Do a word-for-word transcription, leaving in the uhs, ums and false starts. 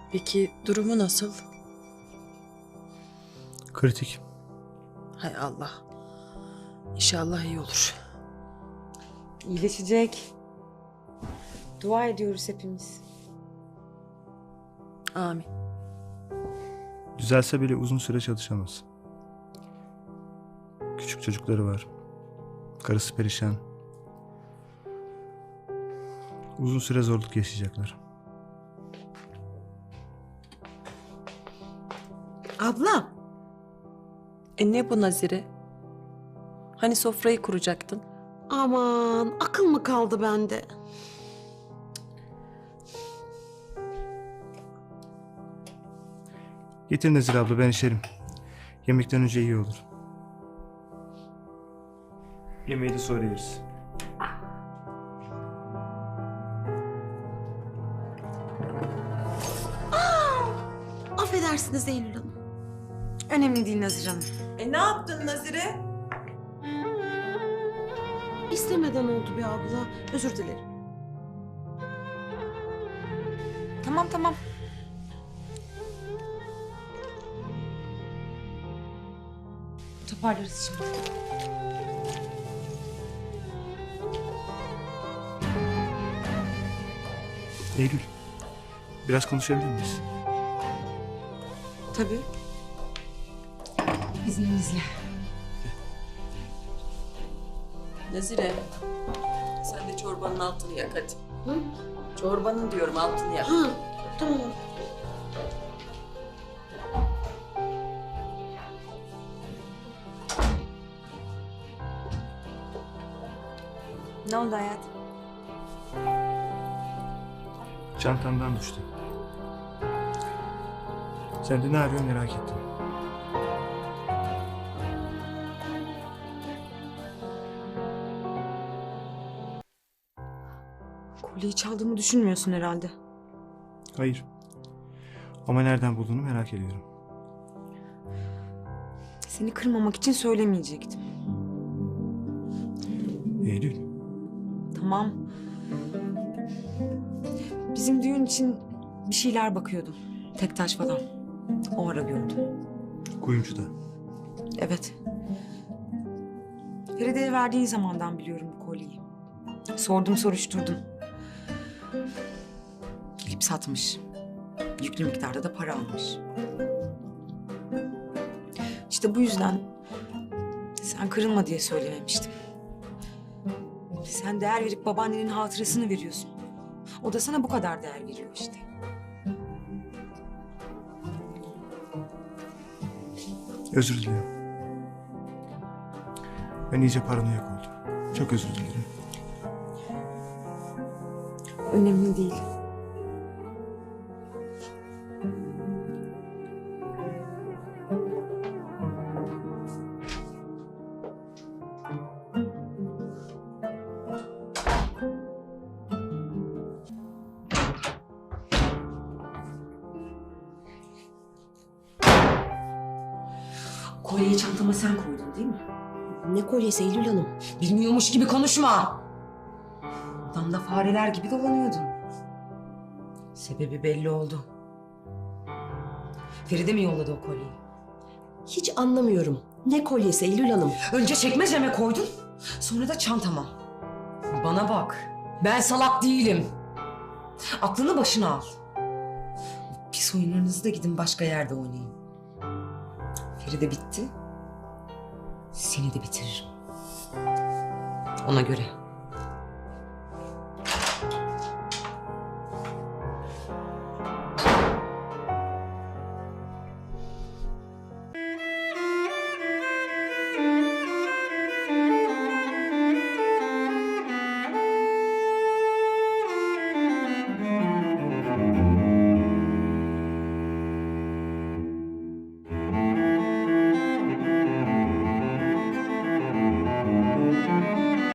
Peki durumu nasıl? Kritik. Hay Allah. İnşallah iyi olur. İyileşecek. Dua ediyoruz hepimiz. Amin. Düzelse bile uzun süre çalışamaz. Küçük çocukları var. Karısı perişan. Uzun süre zorluk yaşayacaklar. Abla. E ne bu Nazire? Hani sofrayı kuracaktın? Aman akıl mı kaldı bende? Getir Nezir abla, ben içerim. Yemekten önce iyi olur. Yemeği de sonra yeriz. Affedersiniz Eylül Hanım. Önemli değil Nazire Hanım. E ne yaptın Nazire? İstemeden oldu be abla. Özür dilerim. Tamam tamam. Toparlarız şimdi. Eylül, biraz konuşabilir miyiz? Tabii. İzninizle. Nazire. Sen de çorbanın altını yak hadi. Hı? Çorbanın diyorum altını yak. Ha, tamam. Ne oldu hayatım? Çantamdan düştü. Sen de ne arıyorsun merak ettim. Kolyeyi çaldığımı düşünmüyorsun herhalde. Hayır. Ama nereden bulduğunu merak ediyorum. Seni kırmamak için söylemeyecektim. Eylül, Tamam. Bizim düğün için bir şeyler bakıyordum. Tek taş falan. O ara gördüm. kuyumcuda. Evet. Feride'ye verdiğin zamandan biliyorum bu kolyeyi. Sordum soruşturdum. Gelip satmış. Yüklü miktarda da para almış. İşte bu yüzden sen kırılma diye söylememiştim. Sen değer verip babaannenin hatırasını veriyorsun. O da sana bu kadar değer veriyor işte. Özür dilerim. Ben iyice paranoyak oldum. Çok özür dilerim. Önemli değil. Kolyeyi çantama sen koydun değil mi? Ne kolyesi Eylül Hanım? Bilmiyormuş gibi konuşma. Odamda fareler gibi dolanıyordun. Sebebi belli oldu. Feride mi yolladı o kolyeyi? Hiç anlamıyorum. Ne kolyesi Eylül Hanım? Önce çekmeceme koydun, sonra da çantama. Bana bak, ben salak değilim. Aklını başına al. Pis oyunlarınızı da gidin başka yerde oynayın. Feride bitti, seni de bitiririm. Ona göre.